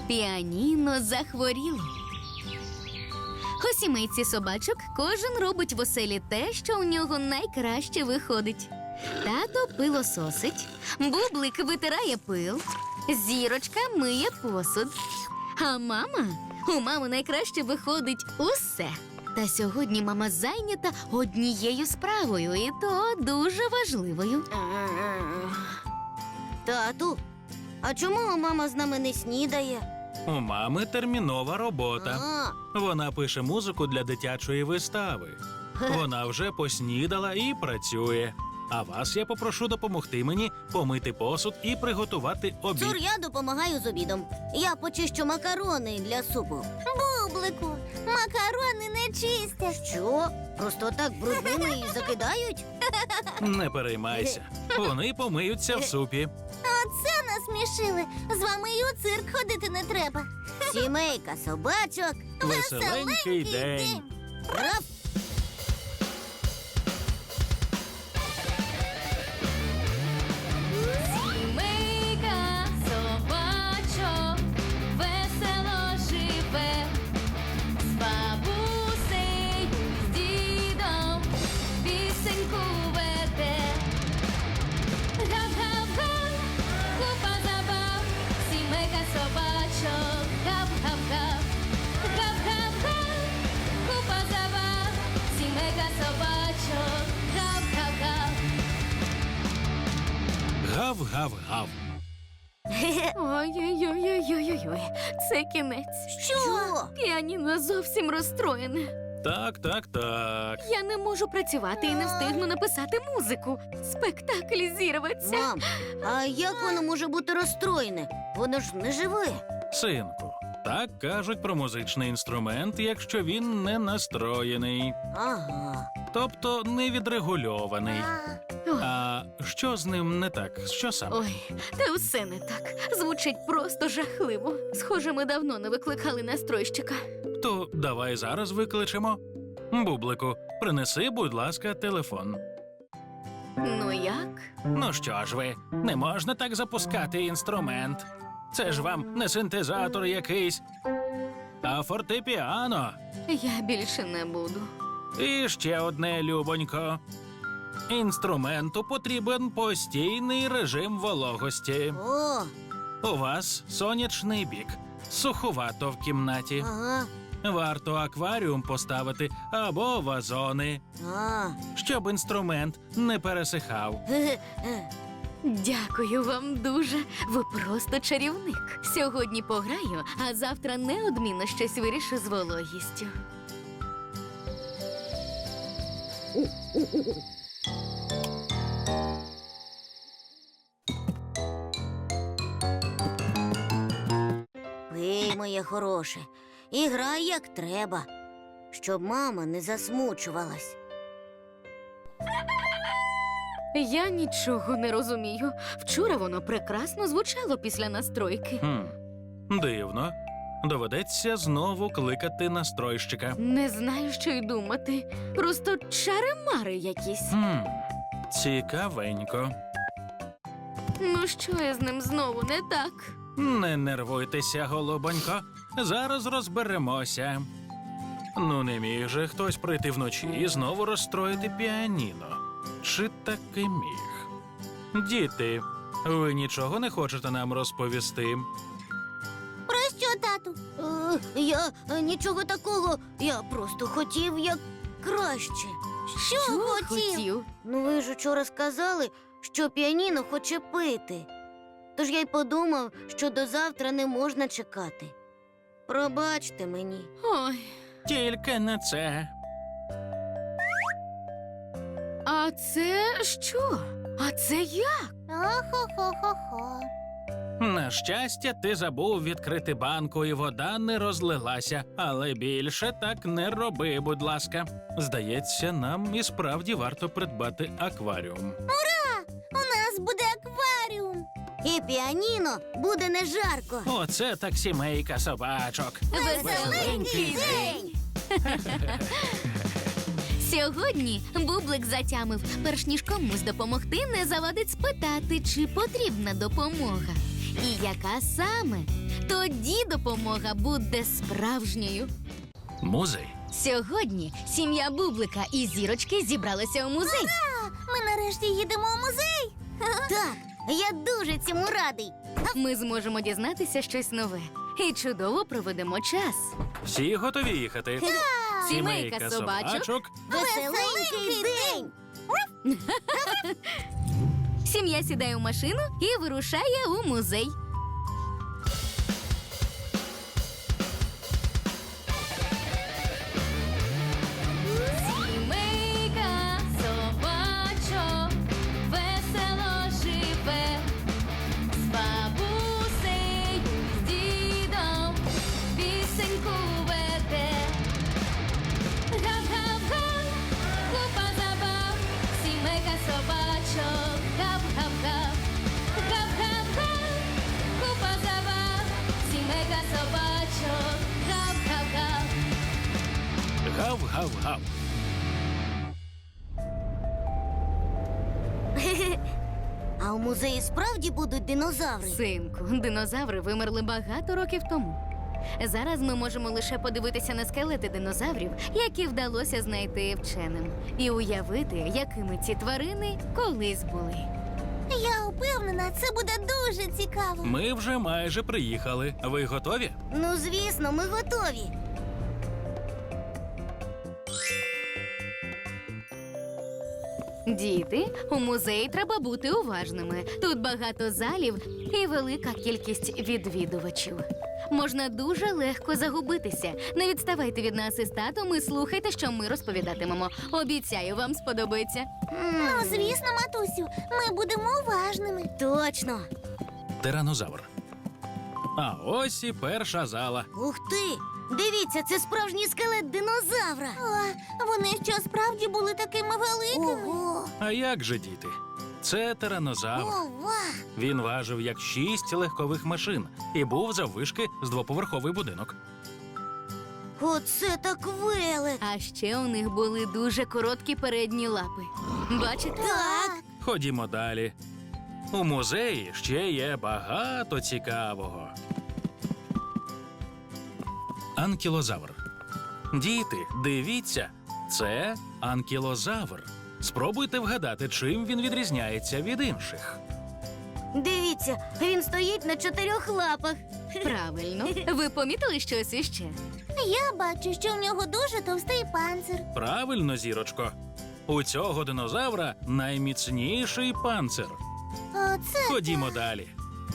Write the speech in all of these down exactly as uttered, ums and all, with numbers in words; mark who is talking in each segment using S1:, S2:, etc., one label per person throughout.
S1: Піаніно захворіло. У сімейці собачок кожен робить в оселі те, що у нього найкраще виходить. Тато пилососить, Бублик витирає пил, Зірочка миє посуд. А мама? У мами найкраще виходить усе. Та сьогодні мама зайнята однією справою, і то дуже важливою.
S2: Тату, а чому мама з нами не снідає?
S3: У мами термінова робота.
S2: А,
S3: Вона пише музику для дитячої вистави. Вона вже поснідала і працює. А вас я попрошу допомогти мені помити посуд і приготувати обід.
S2: Цур, я допомагаю з обідом. Я почищу макарони для супу.
S4: Бублику, макарони не чистять.
S2: Що? Просто так брудними і закидають?
S3: Не переймайся. Вони помиються в супі.
S4: Оце насмішили. З вами і у цирк ходити не треба.
S2: Сімейка собачок.
S3: Веселенький день.
S2: Раф!
S1: Сімейка собачок весело живе, з бабусею, з дідом пісеньку веде. Гап-гап-га, купа забав, сімейка собачок, гап-гап-гап. Гап-гап-га, купа забав, сімейка собачок, гап-гап-гап.
S3: Гав-гав-гав.
S1: Ой-ой-ой-ой-ой-ой, це кінець.
S2: Що?
S1: Піаніно зовсім розстроєне.
S3: Так, так, так.
S1: Я не можу працювати і не встигну написати музику. Спектакль зірветься.
S2: Мам, а як воно може бути розстроєне? Воно ж не живе.
S3: Синку, так кажуть про музичний інструмент, якщо він не настроєний,
S2: Ага.
S3: тобто не відрегульований.
S1: Ой,
S3: А що з ним не так? Що саме?
S1: ой, та усе не так. Звучить просто жахливо. Схоже, ми давно не викликали настройщика.
S3: То давай зараз викличемо. Бублику, принеси, будь ласка, телефон.
S1: Ну як?
S3: Ну що ж ви, не можна так запускати інструмент. Це ж вам не синтезатор якийсь, а фортепіано.
S1: Я більше не буду.
S3: І ще одне, любонько. Інструменту потрібен постійний режим вологості.
S2: О,
S3: У вас сонячний бік, суховато в кімнаті.
S2: ага.
S3: Варто акваріум поставити або вазони,
S2: А.
S3: щоб інструмент не пересихав.
S2: Ге-ге.
S1: Дякую вам дуже. Ви просто чарівник. Сьогодні пограю, а завтра неодмінно щось вирішу з вологістю.
S2: Пий, моє хороше, і грай як треба, щоб мама не засмучувалась.
S1: Я нічого не розумію. Вчора воно прекрасно звучало після настройки.
S3: Хм, дивно. Доведеться знову кликати настройщика.
S1: Не знаю, що й думати. Просто чари-мари якісь.
S3: Хм, цікавенько.
S1: Ну що я з ним знову не так?
S3: Не нервуйтеся, голубонько. Зараз розберемося. Ну, не міг же хтось прийти вночі і знову розстроїти піаніно. Чи таки міг? Діти, ви нічого не хочете нам розповісти?
S4: Про що, тату?
S2: Е, я е, нічого такого, я просто хотів як краще.
S4: Що, хотів?
S2: Ну ви ж учора сказали, що піаніно хоче пити. Тож я й подумав, що до завтра не можна чекати. Пробачте мені.
S1: Ой,
S3: Тільки не це.
S1: а це що? А це як?
S4: Охо-хо-хо-хо.
S3: На щастя, ти забув відкрити банку, і вода не розлилася. Але більше так не роби, будь ласка. Здається, нам і справді варто придбати акваріум.
S4: У нас буде акваріум.
S2: І піаніно буде не жарко.
S3: Оце так сімейка собачок.
S1: Веселенький день! Сьогодні Бублик затямив, перш ніж комусь допомогти, не завадить спитати, чи потрібна допомога. і яка саме. Тоді допомога буде справжньою.
S3: Музей.
S1: Сьогодні сім'я Бублика і Зірочки зібралися у музей.
S4: Ми нарешті їдемо у музей.
S2: Так, я дуже цьому радий.
S1: Ми зможемо дізнатися щось нове і чудово проведемо час.
S3: Всі готові їхати?
S1: Сімейка собачок.
S2: Веселенький день!
S1: Сім'я сідає у машину і вирушає у музей. Сімейка собачок весело живе, з бабусею, з дідом пісеньку веде. Гап-гап-га, купа забав, сімейка собачок, гап-гап-га. Гап-гап-га, купа забав, сімейка собачок, гап-гап-га.
S3: Гав-гав-гав.
S2: А у музеї справді будуть динозаври?
S1: Синку, динозаври вимерли багато років тому. Зараз ми можемо лише подивитися на скелети динозаврів, які вдалося знайти вченим, і уявити, якими ці тварини колись були.
S4: Я впевнена, це буде дуже цікаво.
S3: Ми вже майже приїхали. Ви готові?
S2: Ну, звісно, ми готові.
S1: Діти, у музеї треба бути уважними. Тут багато залів і велика кількість відвідувачів. Можна дуже легко загубитися. Не відставайте від нас із татом і слухайте, що ми розповідатимемо. Обіцяю, вам сподобається.
S4: Ну, звісно, матусю, ми будемо уважними.
S2: Точно.
S3: Тиранозавр. А ось і перша зала.
S2: Ух ти! Дивіться, це справжній скелет динозавра.
S4: О, вони що справді були такими великими?
S2: Ого!
S3: А як же, діти? Це тиранозавр.
S2: Ова!
S3: Він важив як шість легкових машин і був заввишки з двоповерховий будинок.
S2: Оце так велик!
S1: А ще у них були дуже короткі передні лапи. Бачите?
S2: Так!
S3: Ходімо далі. У музеї ще є багато цікавого. Анкілозавр. Діти, дивіться, це анкілозавр. Спробуйте вгадати, чим він відрізняється від інших.
S2: Дивіться, він стоїть на чотирьох лапах.
S1: Правильно. Ви помітили щось іще?
S4: Я бачу, що в нього дуже товстий панцир.
S3: Правильно, Зірочко. У цього динозавра найміцніший панцир.
S4: Оце
S3: Ходімо далі.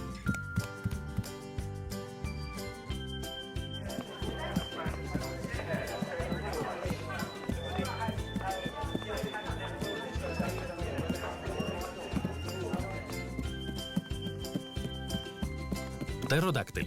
S3: Птеродактиль.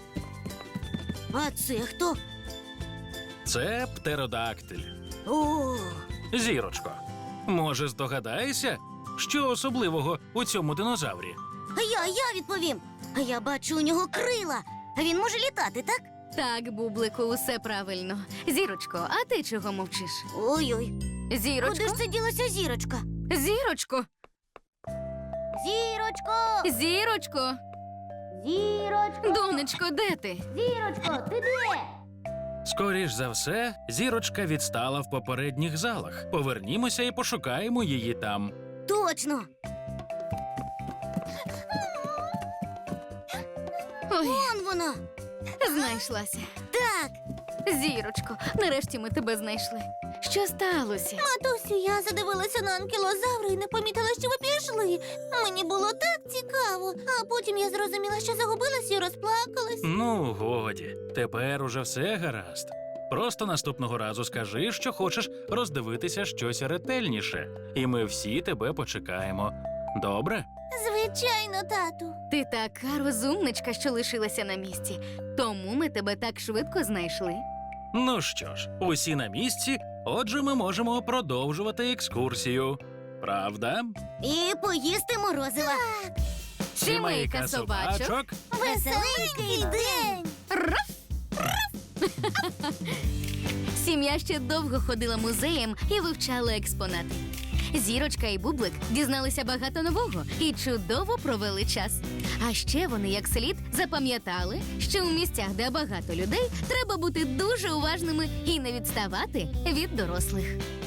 S2: А це хто?
S3: Це птеродактиль.
S2: О,
S3: Зірочко, може, здогадаєшся, що особливого у цьому динозаврі?
S2: а я, я відповім. А я бачу у нього крила. А він може літати, так?
S1: Так, Бублику, усе правильно. Зірочко, а ти чого мовчиш?
S2: Ой-ой.
S1: Зірочко?
S2: Куди ж це ділася зірочка?
S1: Зірочко!
S2: Зірочко!
S1: Зірочко!
S2: Зірочко!
S1: Донечко, де ти?
S2: Зірочко, ти де?
S3: Скоріш за все, Зірочка відстала в попередніх залах. Повернімося і пошукаємо її там.
S2: Точно!
S1: Ой,
S2: Он вона!
S1: знайшлася.
S2: Так!
S1: Зірочко, нарешті ми тебе знайшли. Що сталося?
S4: матусю, я задивилася на анкілозавра і не помітила, що ви пішли. Мені було так цікаво. А потім я зрозуміла, що загубилась і розплакалась.
S3: Ну, годі, тепер уже все гаразд. Просто наступного разу скажи, що хочеш роздивитися щось ретельніше, і ми всі тебе почекаємо. Добре?
S4: Звичайно, тату.
S1: Ти така розумничка, що лишилася на місці. Тому ми тебе так швидко знайшли.
S3: Ну що ж, усі на місці, отже, ми можемо продовжувати екскурсію. Правда?
S2: І поїсти морозива.
S1: Сімейка собачок.
S4: Веселенький день!
S1: Сім'я ще довго ходила музеєм і вивчала експонати. Зірочка і Бублик дізналися багато нового і чудово провели час. А ще вони як слід запам'ятали, що у місцях, де багато людей, треба бути дуже уважними і не відставати від дорослих.